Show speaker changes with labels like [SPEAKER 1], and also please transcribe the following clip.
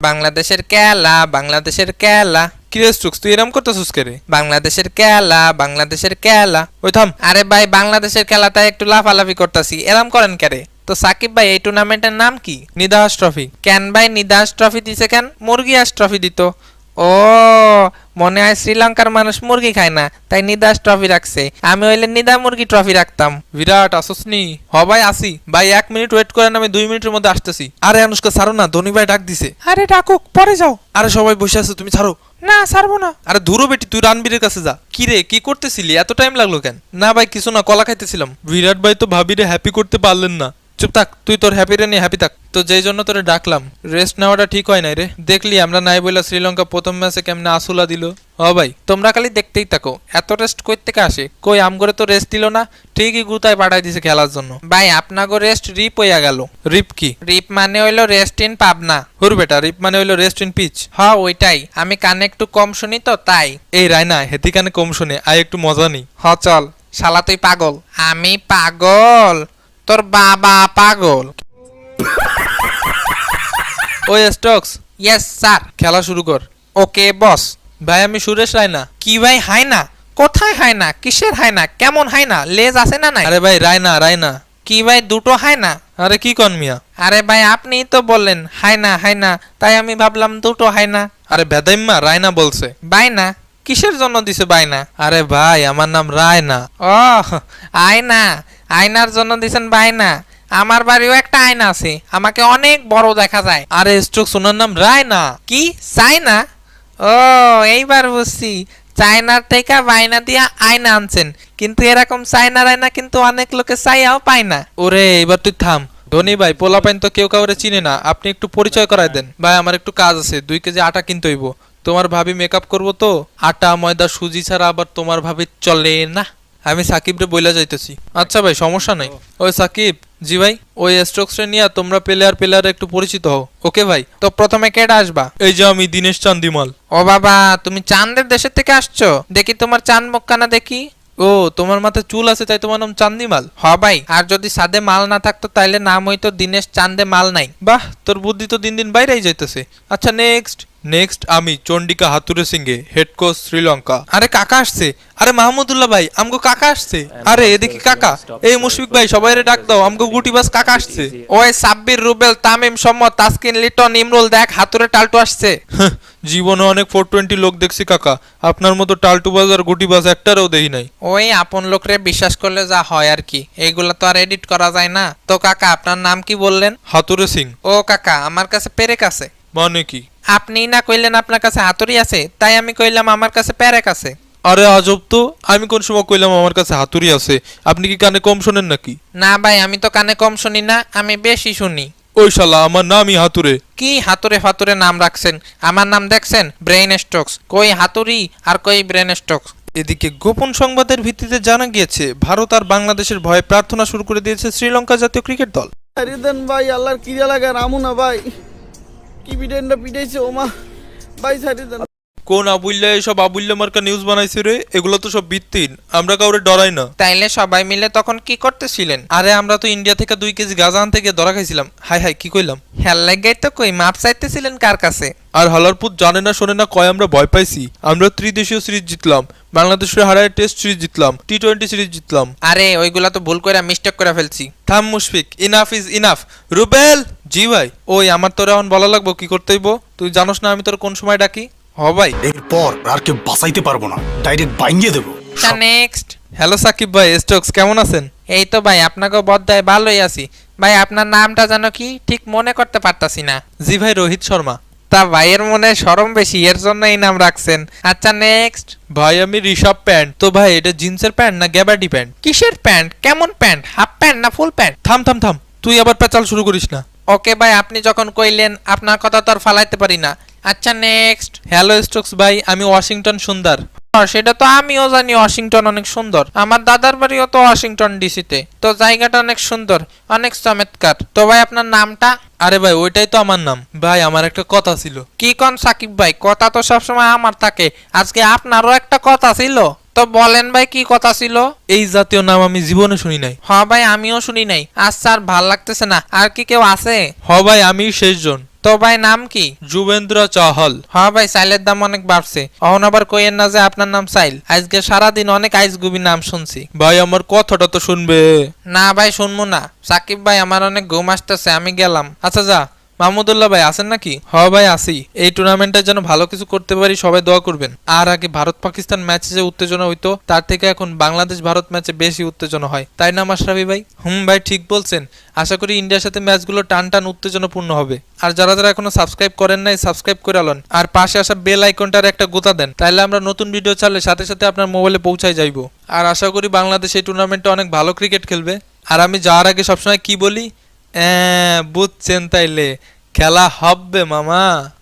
[SPEAKER 1] বাংলাদেশের খেলা, বাংলাদেশের খেলা। কিরে স্ট্রোকস, তুই এরম করতেছিস কে রে? বাংলাদেশের খেলা, বাংলাদেশের খেলা। ওই থাম। আরে ভাই, বাংলাদেশের খেলাটা একটু লাফালাফি করতেছি, এরম করেন কে রে? তো সাকিব ভাই, এই টুর্নামেন্টের নাম কি? নিদাস ট্রফি। কেন ভাই নিদাস ট্রফি দিছে কেন? মুরগি হাঁস ট্রফি দিত। ও, মনে হয় শ্রীলঙ্কার মানুষ মুরগি খায় না, তাই নিদাস ট্রফি রাখছে। আমি হইলে নিদা মুরগি ট্রফি রাখতাম। বিরাট আসসনি? হ ভাই আসি। ভাই 1 মিনিট ওয়েট করেন, আমি 2 মিনিটের মধ্যে আসতেছি। আরে অনুষ্কা ছাড়ো না, ধনী ভাই ডাক দিছে। আরে ডাকুক, পরে যাও। আরে সবাই বসে আছে, তুমি ছাড়ো। না ছাড়বো না। আরে ধুরো বেটি, তুই রানবীরের কাছে যা। কি রে, কি করতেছিলি? এত টাইম লাগলো কেন? না ভাই কিছু না, কলা খাইতেছিলাম। বিরাট ভাই তো ভাবিরে হ্যাপি করতে পারলেন না। চুপ থাক, তুই তোর হ্যাপিরে নিয়ে হ্যাপি থাক। তো যেই জন্য তোরে ডাকলাম, রেস্ট নেওয়াটা ঠিক হয় নাই রে। দেখলি আমরা নাই বইলা শ্রীলঙ্কা প্রথম ম্যাচে কেমনে আসুলা দিল। হ ভাই, তোমরা খালি দেখতেই থাকো, এত রেস্ট কই থেকে আসে? কই আমগরে তো রেস্ট দিল না, ঠিকই গুতায় পাঠাই দিছে খেলার জন্য। ভাই আপনাগো রেস্ট রিপ হইয়া গেল। রিপ কি? রিপ মানে হইলো রেস্ট ইন পাবনা। হুর বেটা, রিপ মানে হইলো রেস্ট ইন পিচ। হ্যাঁ ওইটাই, আমি কানে একটু কম শুনি তো তাই। এই রায়না, হেতি কানে কম শুনে, আয় একটু মজা নি। হ চল। শালা তুই পাগল। আমি পাগল? তোর বাবা পাগল। ওই স্টক্স। Yes sir. খেলা শুরু কর। ওকে বস। ভাই আমি সুরেশ রায়না। কি ভাই হায়না? কোথায় হায়না? কিসের হায়না? কেমন হায়না? লেজ আছে না নাই? আরে ভাই রায়না, রায়না। কি ভাই দুটো হায়না? আরে কি কন মিয়া? আরে ভাই আপনিই তো বললেন হায়না হায়না, তাই আমি ভাবলাম দুটো হায়না। আরে বেদাইম্মা, রায়না বলছে। বাইনা? কিসের জন্য দিছে বাইনা? আরে ভাই আমার নাম রায়না। ও আয়না, আয়নার জন্য দিছেন বাইনা। আমার বাড়িও একটা আয়না আছে, আমাকে অনেক বড় দেখা যায়। আরে স্ট্রোক, সোনার নাম রায়না। কি চায়না? ও এইবার বুঝছি, চায়নার থেকে বাইনা দিয়া আয়না আনছেন, কিন্তু এরকম চায়নার আয়না কিন্তু অনেক লোকে চাইয়াও পায় না। ওরে এবার তুই থাম। ধনী ভাই, পোলাপাইন তো কেউ কাউরে চিনে না, আপনি একটু পরিচয় করাই দেন। ভাই আমার একটু কাজ আছে, 2 কেজি আটা কিনতে হইব। তোমার ভাবি মেকআপ করবো তো, আটা ময়দা সুজি ছাড়া আবার তোমার ভাবি চলে না। আমি সাকিব রে বইলা যাইতেছি। আচ্ছা ভাই সমস্যা নাই। ওই সাকিব। জি ভাই। ওই স্ট্রোকস রে নিয়ে তোমরা প্লেয়ার একটু পরিচিত হও। ওকে ভাই। তো প্রথমে কেডা আসবা? এই যে আমি, দীনেশ চান্দিমাল। ও বাবা, তুমি চাঁদের দেশের থেকে আসছো? দেখি তোমার চাঁদ মুখখানা দেখি। ও তোমার মাথায় চুল আছে তাই তোমার নাম চান্দিমাল? হ ভাই, আর যদি সাদে মাল না থাকতো তাইলে নাম হইতো দীনেশ চান্দে মাল নাই। বাহ, তোর বুদ্ধি তো দিন দিন বাইরেই যাইতেছে। আচ্ছা নেক্সট। নেক্সট আমি Chandika Hathurusingha, head coach Sri Lanka. আরে কাকা আসছে। আরে মাহমুদুল্লাহ ভাই, আমগো কাকা আসছে। আরে এদিকে কাকা। এই মুশফিক ভাই, সবাইরে ডাক দাও, আমগো গুটিবাস কাকা আসছে। ওই সাব্বির, রুবেল, তামিম, সম্মত, তাসকিন, লিটন, ইমরুল, দেখ হাতুরে টালটু আসছে। জীবনে অনেক 420 লোক দেখছি কাকা, আপনার মতো টালটুবাজ আর গুটিবাজ একটারও দেখি নাই। ওই আপন লোকরে বিশ্বাস করলে যা হয় আর কি, এইগুলা তো আর এডিট করা যায় না। তো কাকা আপনার নাম কি বললেন? হাতুরে সিং। ও কাকা, আমার কাছে পেরেক আছে। মানে কি? আপনি না কইলেন আপনার কাছে হাতুড়ি আছে, তাই আমি কইলাম আমার কাছে পেরেক আছে। আরে আজব তো, আমি কোন সময় কইলাম আমার কাছে হাতুড়ি আছে? আপনি কি কানে কম শোনেন নাকি? না ভাই, আমি তো কানে কম শুনি না, আমি বেশি শুনি। ওই শালা, আমার নামই হাতুরে। কি হাতুরে ফাতুরে নাম রাখছেন? আমার নাম দেখছেন ব্রেইন স্ট্রোকস। কই হাতুড়ি আর কই ব্রেইন স্ট্রোকস। এদিকে গোপন সংবাদের ভিত্তিতে জানা গিয়েছে, ভারত আর বাংলাদেশের ভয়ে প্রার্থনা শুরু করে দিয়েছে শ্রীলঙ্কা জাতীয় ক্রিকেট দল।
[SPEAKER 2] আরে দেন ভাই, আল্লাহর কিরা লাগা রামু না ভাই, কি বিডেনটা পিটাইছে ওমা ভাই, ছাড়ি দেন।
[SPEAKER 3] কোন আবুল্লা এসব আবুল্লা মার্কা নিউজ বানাইছে রে? এগুলো তো সব ভিত্তিহীন, আমরা কাউরে ডরাই না।
[SPEAKER 1] তাইলে সবাই মিলে তখন কি করতেছিলেন?
[SPEAKER 3] আরে আমরা তো ইন্ডিয়া থেকে 2 কেজি গাঁজা আনতে গিয়ে ধরা খাইছিলাম। হাই হাই, কি কইলাম?
[SPEAKER 1] হেল লাগাই তো কই, মাপ চাইতেছিলেন কার কাছে?
[SPEAKER 3] আর হালারপুত জানে না শোনে না কয় আমরা ভয় পাইছি। আমরা ত্রিদেশীয় সিরিজ জিতলাম, বাংলাদেশের হারায় টেস্ট সিরিজ জিতলাম, টি-20 সিরিজ জিতলাম।
[SPEAKER 1] আরে ওইগুলা তো ভুল করে মিস্টেক করে ফেলছি।
[SPEAKER 3] থাম Mushfiq, enough is enough. Rubel. জি ভাই। ওই আমার তোর এখন বলা লাগবো কি করতে হইব? তুই জানোস না আমি তোর কোন সময় ডাকি? হ ভাই।
[SPEAKER 4] এরপর আর কেউ বাঁচাইতে পারবো না, ডাইরেক্ট বাইঙ্গে দেবো।
[SPEAKER 1] নেক্সট।
[SPEAKER 3] হ্যালো সাকিব ভাই, স্টক্স কেমন আছেন?
[SPEAKER 1] এই তো ভাই, আপনাকে বদ্দায় ভালোই আছি। ভাই আপনার নামটা জানো কি? ঠিক মনে করতে পারতাছি না।
[SPEAKER 3] জি ভাই, রোহিত শর্মা।
[SPEAKER 1] তা ভাইয়ের মনে শরম বেশি, এর জন্য এই নাম রাখছেন। আচ্ছা নেক্সট।
[SPEAKER 3] ভাই আমি ঋষভ প্যান্ট। তো ভাই এটা জিন্সের প্যান্ট না গ্যাবার্ডি প্যান্ট?
[SPEAKER 1] কিসের প্যান্ট? কেমন প্যান্ট? হাফ প্যান্ট না ফুল প্যান্ট?
[SPEAKER 3] থাম থাম থাম, তুই আবার পেঁচাল শুরু করিস না।
[SPEAKER 1] ওকে ভাই, আপনি যখন কইলেন আপনার কথা তো আর ফালাইতে পারি না। আচ্ছা নেক্সট।
[SPEAKER 3] হ্যালো স্টক্স ভাই, আমি ওয়াশিংটন সুন্দর।
[SPEAKER 1] সেটা তো আমিও জানি, ওয়াশিংটন অনেক সুন্দর। আমার দাদার বাড়িও তো ওয়াশিংটন ডিসিতে, তো জায়গাটা অনেক সুন্দর, অনেক চমৎকার। তো ভাই আপনার নামটা?
[SPEAKER 3] আরে ভাই ওইটাই তো আমার নাম। ভাই আমার একটা কথা ছিল।
[SPEAKER 1] কি কোন সাকিব ভাই? কথা তো সবসময় আমার থাকে, আজকে আপনারও একটা কথা ছিল। তো বলেন ভাই, কি কথা ছিল?
[SPEAKER 3] এই জাতীয় নাম আমি জীবনে শুনি নাই।
[SPEAKER 1] হ ভাই, আমিও শুনি নাই। আচ্ছা আর ভাল লাগতেছে না, আর কি কেউ আছে?
[SPEAKER 3] হ ভাই, আমি শেষজন।
[SPEAKER 1] তো ভাই নাম কি?
[SPEAKER 3] যুবেন্দ্র চাহল।
[SPEAKER 1] হ্যাঁ ভাই, সাইলের দাম অনেক বাড়ছে। অহন আবার কইেন না যে আপনার নাম সাইল। আজকে সারাদিন অনেক আইসগুবি নাম শুনছি।
[SPEAKER 3] ভাই আমার কথাটা তো শুনবে।
[SPEAKER 1] না ভাই, শুনবো না। সাকিব ভাই, আমার অনেক ঘুম আসতেছে, আমি গেলাম।
[SPEAKER 3] আচ্ছা যা। মাহমুদুল্লাহ ভাই আছেন নাকি? হ ভাই আসি। এই টুর্নামেন্টের জন্য ভালো কিছু করতে পারি, সবাই দোয়া করবেন। আর আগে ভারত পাকিস্তান ম্যাচে যে উত্তেজনা হইতো, তার থেকে এখন বাংলাদেশ ভারত ম্যাচে বেশি উত্তেজনা হয়, তাই না মাশরাফি ভাই? ভাই ঠিক বলছেন। আশা করি ইন্ডিয়ার সাথে ম্যাচগুলো টান টান উত্তেজনাপূর্ণ হবে। আর যারা যারা এখনো সাবস্ক্রাইব করেন নাই, সাবস্ক্রাইব করে আলন। আর পাশে আসা বেল আইকনটার একটা গোতা দেন, তাইলে আমরা নতুন ভিডিও ছাড়লে সাথে সাথে আপনার মোবাইলে পৌঁছায় যাইবো। আর আশা করি বাংলাদেশ এই টুর্নামেন্টে অনেক ভালো ক্রিকেট খেলবে। আর আমি যাওয়ার আগে সবসময় কি বলি? বুঝছেন তাইলে, খেলা হবে মামা।